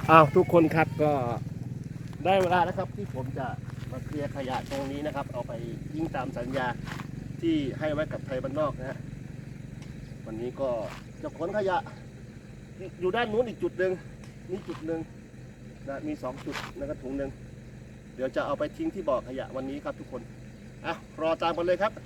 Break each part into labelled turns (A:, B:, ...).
A: ทุกคนครับก็ได้เวลาแล้วครับที่ผมจะมาเคลียร์ขยะตรงนี้นะครับเอาไปทิ้งตามสัญญาที่ให้ไว้กับไทยบ้านนอกนะฮะวันนี้ก็จะขนขยะอยู่ด้านนู้นอีกจุดหนึ่งนี่จุดหนึ่งนะมี2จุดแล้วก็ถุงหนึ่งเดี๋ยวจะเอาไปทิ้งที่บ่อขยะวันนี้ครับทุกคนรอตามกันเลยครับ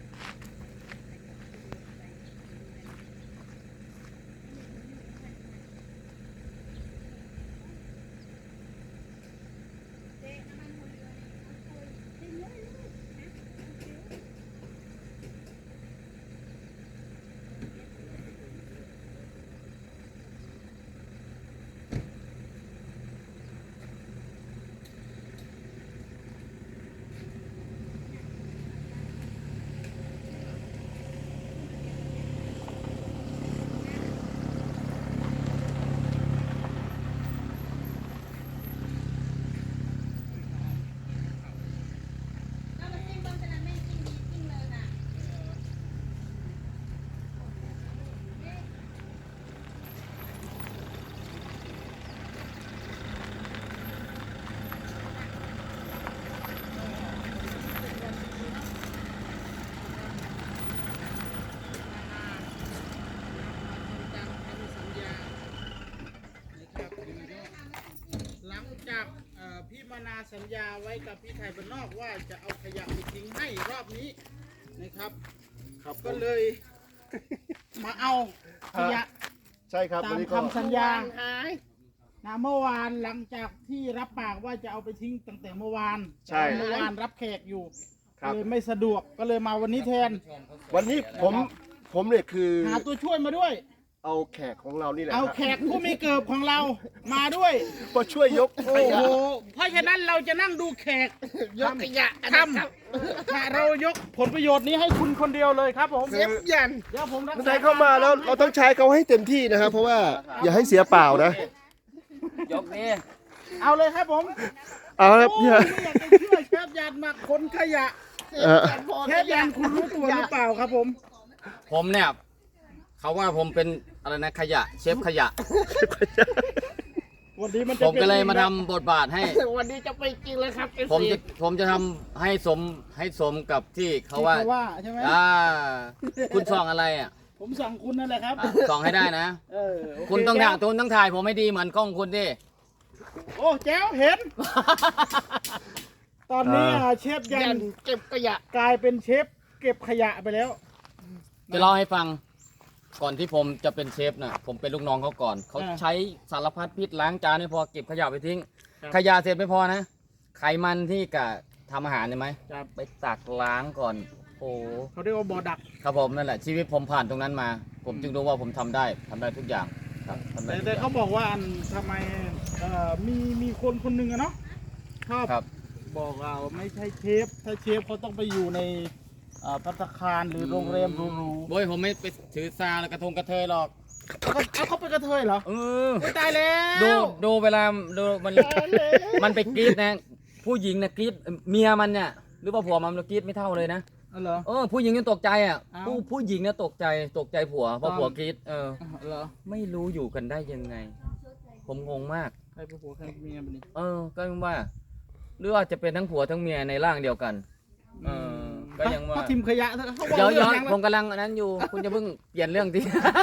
B: จากพี่มานาสัญญาไว้กับพี่ไทยบ้านนอกว่าจะเอาขยะไปทิ้งให้รอบนี้นะครับก็เลยมาเอาขยะ
A: ใช่ครับ
B: ตามคำสัญญาเมื่อวานหลังจากที่รับปากว่าจะเอาไปทิ้งตั้งแต่เมื่อวานเมื่อวานรับแขกอยู่เลยไม่สะดวกก็เลยมาวันนี้แทน
A: วันนี้ผมเนี่ยคือ
B: หาตัวช่วยมาด้วย
A: เอาแขกของเรานี่แหละ
B: เอาแขกผู้มีเกิบของเรามาด้วย
A: มาช่วยยกขยะ
B: เพราะฉะนั้นเราจะนั่งดูแขกยกขยะทำถ้าเรายกผลประโยชน์นี้ให้คุณคนเดียวเลยครับผมเย็นเดี๋ยวผมรักษา
A: เข้ามาแล้วเราต้องใช้เขาให้เต็มที่นะครับเพราะว่าอย่าให้เสียเปล่านะ
B: ยกนี่เอาเลยครับผม
A: เอาครับ
B: ไม่อยากจะเชื่อเชฟยันมาขนขยะเชฟยันคุณรู้ตัวหรือเปล่าครับ
C: ผมเนี่ยเขาว่าผมเป็นอะไรนะขยะเชฟขยะ
B: วันนี้มัน
C: ผมก็เลยมาทำบทบาทให้
B: วันนี้จะไปจริงเลยครับ
C: ผมจะทำให้สมกับที่เขาว่า
B: ใช่ไหม
C: คุณส่องอะไรอ่ะ
B: ผมส่องคุณนั่นแหละครับ
C: ส่องให้ได้นะคุณต้องถ่ายผมไม่ดีเหมือนกล้องคุณดิ
B: โอ้แจ๋วเห็นตอนนี้เชฟยันเก็บขยะกลายเป็นเชฟเก็บขยะไปแล้ว
C: จะเล่าให้ฟังก่อนที่ผมจะเป็นเชฟน่ะผมเป็นลูกน้องเขาก่อนเขาใช้สารพัดพิษล้างจานไม่พอเก็บขยะไปทิ้งขยะเสร็จไม่พอนะไขมันที่กะทำอาหารใช่ไหมไปตักล้างก่อนโอ้
B: เขาเรียกว่าบ่อดัก
C: ครับผมนั่นแหละชีวิตผมผ่านตรงนั้นมาผมจึงรู้ว่าผมทำได้ทุกอย่างครับ
B: แต่เขาบอกว่าทำไมมีคนหนึ่งอะเนาะชอบบอกเราไม่ใช่เชฟถ้าเชฟเขาต้องไปอยู่ในภัตตาคารหรือโรงแรมหรู
C: ๆโว้ยผมไม่ไปถือซาแล้วกระทงกระเทยหรอก
B: เขาเป็นกระเทยเหรอตายแล้ว
C: ดูเวลาดูมันไปกรีดนะผู้หญิงนะกรีดเมียมันเนี่ยหรือว่าผัวมันกรีดไม่เท่าเลยนะผู้หญิงยังตกใจอ่ะผู้หญิงเนี่ยตกใจผัวเพราะผัวกรีดไม่รู้อยู่กันได้ยังไงผมงงมาก
B: ใครเป็นผัวใครเป็นเมียมันนี่
C: ก็ว่าหรือว่าจะเป็นทั้งผัวทั้งเมียในร่างเดียวกันก็ยังว่า
B: ทิมขยะ
C: เดี๋ยวผมกำลังนั้นอยู่คุณจะเพิ่งเปลี่ยนเรื่องที่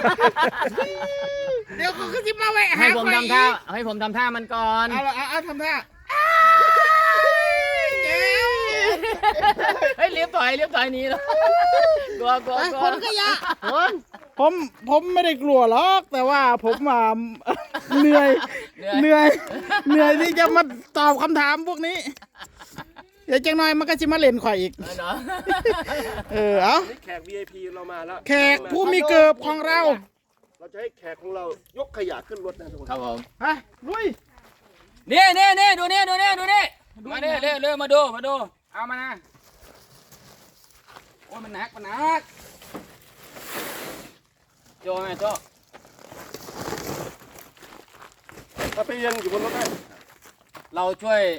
B: เดี๋ยวเขาจะมาแหวะ
C: ให้ผมทำท่ามันก่อน
B: เอาทำท่า
C: เฮ้ยเลี้ยบถอยนี้แล้วกลัว
B: คนขยะผมไม่ได้กลัวหรอกแต่ว่าผมเหนื่อยที่จะมาตอบคำถามพวกนี้เดี๋ยวจังหน่อยมันก็จะมาเล่นข่อยอีกเอา
A: แขก VIP เรามาแล้ว
B: แขกผู้มีเกิบของเรา
A: จะให้แขกของเรายกขยะขึ้นรถนะทุกคน
C: ครับผม
B: ลุย
C: นี่ดูนี่มาเร็วมาดูเอามานะโอ้ยมันหนักโจ้โจ้
A: ถ้าไปยังอยู่บนรถได้
C: เราช่วย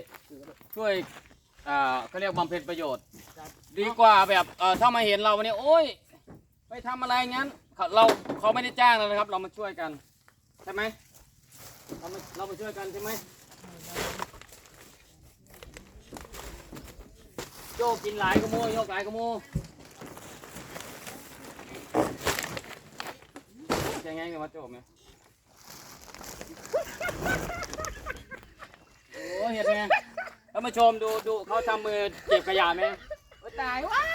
C: เขาเรียกบำเพ็ญประโยชน์ดีกว่าแบบถ้ามาเห็นเราวันนี้โอ้ยไปทำอะไรงั้นเขาไม่ได้จ้างเรานะครับเรามาช่วยกันใช่ไหมเรามาช่วยกันใช่ไหมโจกินหลายกระโมยโยกหลายกระโมจะไงกันวะโจไหมโอ้เห็นไหมท่านผู้ชมดูเขาทำมือเก็บขยะไหมตายว้า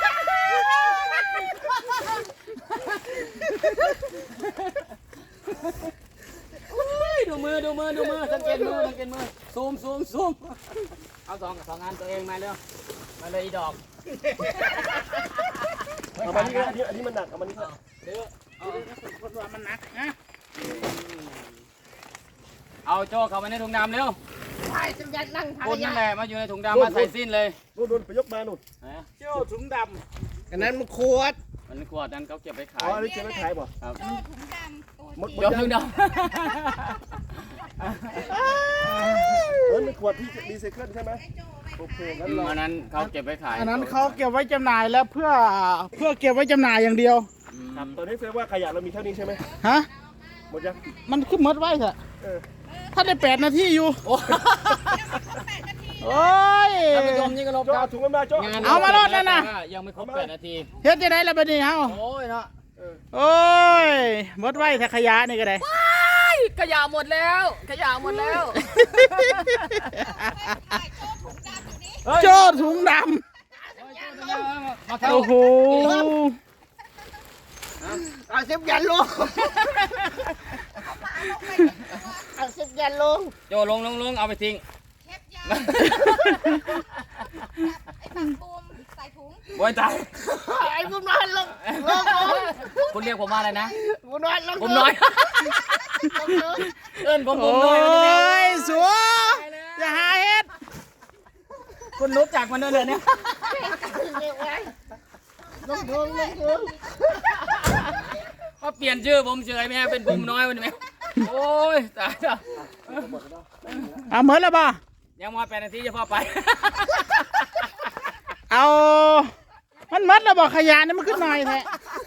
C: ดูมือสังเกตมือซูมเอาสองอันตัวเองมาเร็วมาเลยอีดอก
A: เอามานี่ก็อันนี้มันหนักเอามานี่ก็
B: คนว่ามันหนักนะ
C: เอาโจ้เข้ามาในถุงดำเร็ว
D: ใช่จะยัดนั่งทาง
C: คุณนั่นแหละมาอยู่ในถุงดำมาใส่สิ้นเลย
A: นู่นไปยกมานู่น
B: โจ้ถุงดำอันนั้นมันขวด
C: มันขวดนั้นเขาเก็บไปขาย
A: อ๋ออันนี้เก็บไว้ขายบ่
C: ครับ
D: โจ้ถุงดำตัว
A: มด
C: ยกถุงด
A: มันขวดที่รีไซเคิลใช่ไหมโอเคงั้นเรา
C: ำอันนั้นเขาเก็บไปขาย
B: อันนั้นเขาเก็บไว้จำหน่ายแล้วเพื่อเก็บไว้จำหน่ายอย่างเดียว
A: ครับตอนนี้แสดงว่าขยะเรามีเท่านี้ใช่ไหม
B: ฮะ
A: หมดยัง
B: มันขึ้นมดไว้เถอะ
A: เออ
B: ถ้าได้8 นาทีอยู่ โอ้ย
C: ท่านผู้ชมนี่ก็ลบ
A: โจ้
C: ครั
A: เอา
C: บ
A: ถุงมันมาโจ้
C: งาน
B: เอามาโลดนั่นน่ะ
C: ยังไม่ครบ8 นาที
B: เฮ็ดจะได้ละบัดนี้เฮา
C: โอ้ยเนาะ
B: โอ้ยมดไว้ถ้าขยะนี่ก็ได้
C: ขยะหมดแล้วขยะหมดแล้ว
B: โจ้ถุงด
C: มา
B: ำ
C: เท่า
B: โอ้โห
D: เอาสิบยันลงเอาสิบยันลง
C: โจลงเอาไปทิ้ง
D: เทปยาไอ้ปักบูมใส่ถุง
C: โอ้ยตาย
D: ไอ้บุมนอนลง
C: คุณเรียกผมว่าอะไรนะ
D: บุมนอนลง
C: ผมน้อยเอิ้นผม
B: โอ้
C: น้อย
B: ยสัวอย่าหาเฮ็ด
C: คุณรู้จักมันด้วยเลยเนี่ย
D: เรียกไว้ลงถุง
C: เขาเปลี่ยนชื่อผมเฉยไหมฮะเป็นผมน้อยวันนี้ไหมโอ้ยตายแล้ว
B: เอาเหมือนแล้วป่ะ
C: ยังมา8 นาทีจะพอไป
B: เอามันมัดแล้วบอกขยะนี่มันขึ้นหน่อยแท้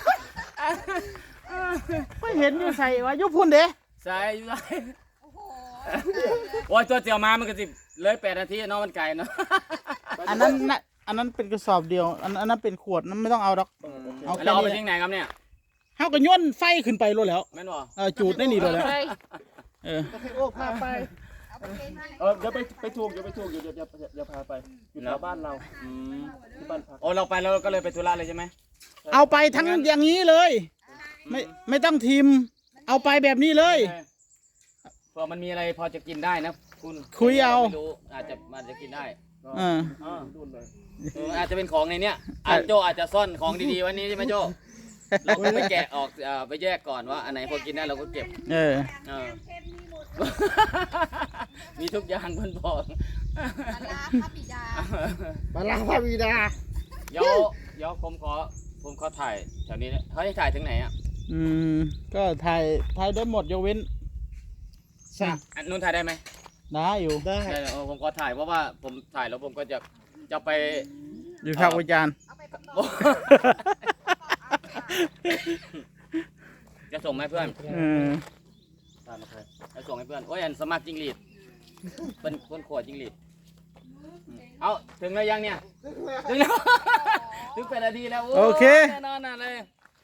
B: ไม่เห็นอยู่ใส่วะยุพุ่นเด้
C: ใส่อยู่ใส่
D: โอ้โห
C: โอ้ยตัวเจียวมามันก็สิเลย8 นาทีเนาะมันไก่เนาะ
B: อันนั้นเป็นกระสอบเดียว อันนั้นเป็นขวดนั้นไม่ต้องเอาดอก เอาแค่
C: แล้วเอาไป
B: นี้
C: ทิ้งไหนครับเนี่ย
B: เฮาก็ย่นไฟขึ้นไปรู้แล้ว
C: แม่นบ่
B: จูดได้นี่เลยแล้วเออ
A: โอ้พาไป
D: เอาไปเกณฑ์ให้
A: เดี๋ยวไปถูกเดี๋ยวพาไปอยู่แถวบ้านเรา
C: อืม
A: ที่บ้านพัก
C: โอ้เราไปแล้วก็เลยไปธุระเลยใช่ไหม
B: เอาไปทั้งอย่างนี้เลย ไม่ต้องทิม เอาไปแบบนี้เลย
C: เผื่อมันมีอะไรพอจะกินได้นะคุณ
B: คุยเอา
C: ไม่รู้อาจจะกินได้
B: อ่า
A: ดูเลย
C: อาจจะเป็นของในเนี้ยโจอาจจะซ่อนของดีๆไวันนี้ใช่ไหมโจเราก็ไปแกะออกไปแยกก่อนว่าอันไหนพอกินได้เราก็เก็บ
B: เออ
C: เออ มีทุกอย่างบนบอก
D: ปลาร้าพระบิดา
C: เดี๋ยวผมขอถ่ายแถวนี้นะเขาให้ถ่ายถึงไหนอ่ะ
B: อืม ก็ถ่ายได้หมดยกเว้น
C: อันนู้นถ่ายได้ไหม
B: ได้อยู่
A: ได้
C: ได้ผมขอถ่ายเพราะว่าผมถ่ายแล้วผมก็จะไป
B: อยู่ภาควิจารณ์
C: จะส่งให้เพื่อน
B: เออ
C: ตามมาใครจะส่งให้เพื่อนโอ้ยอันสมัครจิงหรีดเป็นคนขวดจิงหรีดเอาถึงแล้วยังเนี่ยถึงแล้ว ถึง8 นาทีแล้ว
B: โอเค
C: แน่นอนเลย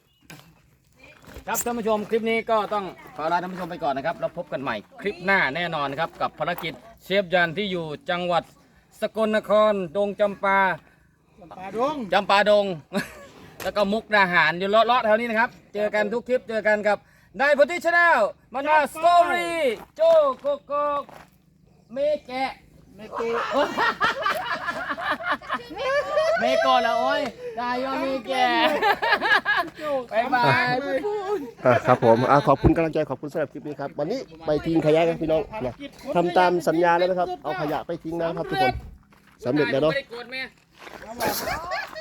C: ครับท่านผู้ชมคลิปนี้ก็ต้องขอลาท่านผู้ชมไปก่อนนะครับแล้วพบกันใหม่คลิปหน้าแน่นอนครับกับภารกิจเชฟยันที่อยู่จังหวัดสกลนครดงจำปา
B: ปลาดง
C: จำปาดง แล้วก็มุกดาหารอยู่เลาะๆแถวนี้นะครับเจอกันทุกคลิปเจอกันกับได้พุทธิชาแนลมานาสตอรี่โจโกโกเมแกะ
B: เมกู
C: เมโกะละโอ้ยดายอมีแกะบายบาย
A: ครับผมขอบคุณกำลังใจขอบคุณสำหรับคลิปนี้ครับวันนี้ไปทิ้งขยะกันพี่น้องนะทำตามสัญญาแล้วนะครับเอาขยะไปทิ้งนะครับทุกคนสำเร็จแล้วเนาะ
C: ไม่ได้โกรธแม่